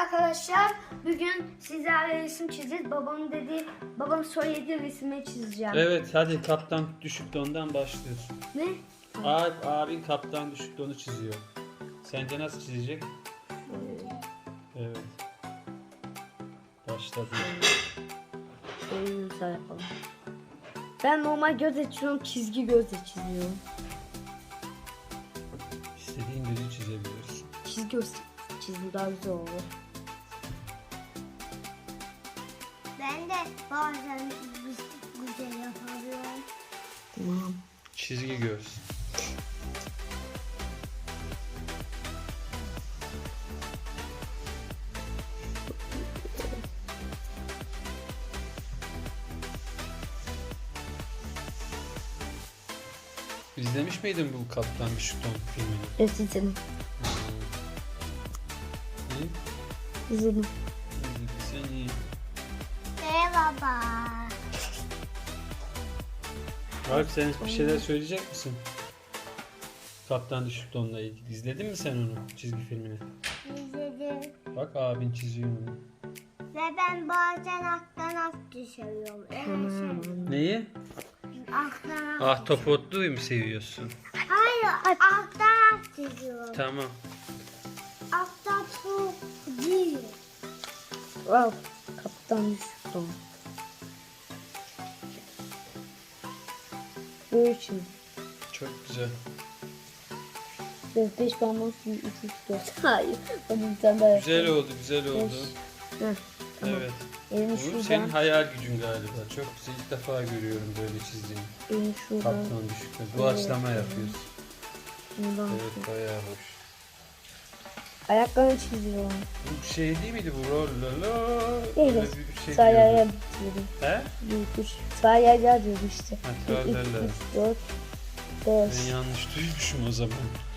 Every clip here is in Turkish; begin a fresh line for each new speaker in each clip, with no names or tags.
Arkadaşlar bugün sizlerle resim çizeceğiz. Babam söylediği resmi çizeceğim.
Evet, hadi kaptan düşük dondan başlıyoruz.
Ne?
Abin kaptan düşük donu çiziyor. Sence nasıl çizecek? Evet. Başladı.
Şöyle yapalım. Ben normal göz çiziyorum, çizgi gözle çiziyorum.
İstediğin gözü çizebilirsin.
Çizgi göz çizim daha güzel olur.
Ben de bazen güzel yapıyorum.
Tamam.
Çizgi göz. İzlemiş miydin bu Kaptan Düşük Don filmini?
Evet, izledim.
İyi.
İzledim.
Sen iyi.
Baba.
Alp, sen bir şeyler söyleyecek misin? Kaptan Düşük Don'la ilgili. İzledin mi sen onu, çizgi filmini?
İzledim.
Bak, abin çiziyor onu.
Ve ben bazen alttan düşüyorum.
Neyi?
Alttan
Ahtapotluyu mu seviyorsun?
Hayır, alttan düşüyorum.
Tamam.
Alttan su değil.
Al. Kaptan düştüm. Böyle çiz.
Çok güzel.
5 parmak 3 3 4. Hayır. Ben bir tane daha
Güzel
yapayım.
oldu, güzel oldu.
Heh, tamam.
Evet.
Elimi
Bu
şuradan.
senin hayal gücün galiba. Çok güzel. İlk defa görüyorum böyle çizdiğini.
Elimi şuradan.
Kaptan Düşük Don. Doğaçlama yapıyorsun.
Şuradan.
Evet, bayağı hoş.
Ayaklarını çiziyorum.
Bu şey değil miydi bu? Rollala.
Evet.
Öyle bir şey
Sayaya
diyordu.
bitiriyorum.
He?
1 3 sayaya diyorum işte.
Ha,
1 2
tralala.
3 4 5.
Ben yanlış duymuşum o zaman.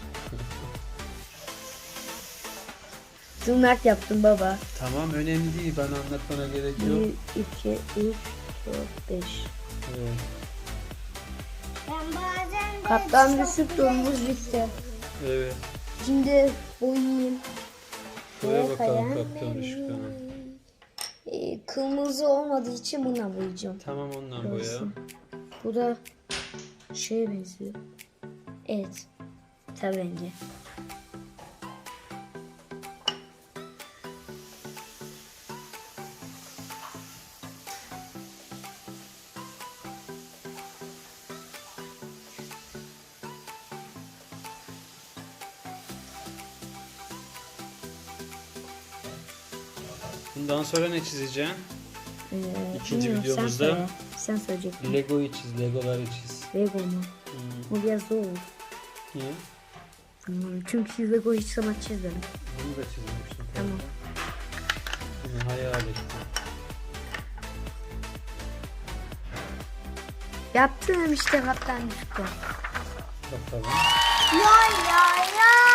Tırnak yaptım baba.
Tamam, önemli değil. Bana anlatmana gerek yok.
1 2 3 4 5.
Evet.
Ben bazen de
Kaptan
çok
düşük
güzel
donumuz bitti.
Evet.
Şimdi boyayayım.
Buraya
Şuraya
bakalım
koyalım.
Kaptan Düşük Don'a.
Kırmızı olmadığı için buna boyayacağım.
Tamam, ondan boya.
Görsün. Bu da şeye benziyor. Evet. Tabii rengi.
Bundan sonra ne çizeceksin? İkinci
bilmiyorum,
videomuzda
Sen söyleyecektin.
Lego'yu çiz, Legoları çiz.
Lego mu?
Hmm.
Bu biraz zor.
Niye?
Çünkü Lego hiç zaman çizmedim.
Bunu da çizmiştim.
Tamam.
Bunu hayal ettim.
Yaptım işte kaptan düştü.
Bakalım.
Ya ya ya.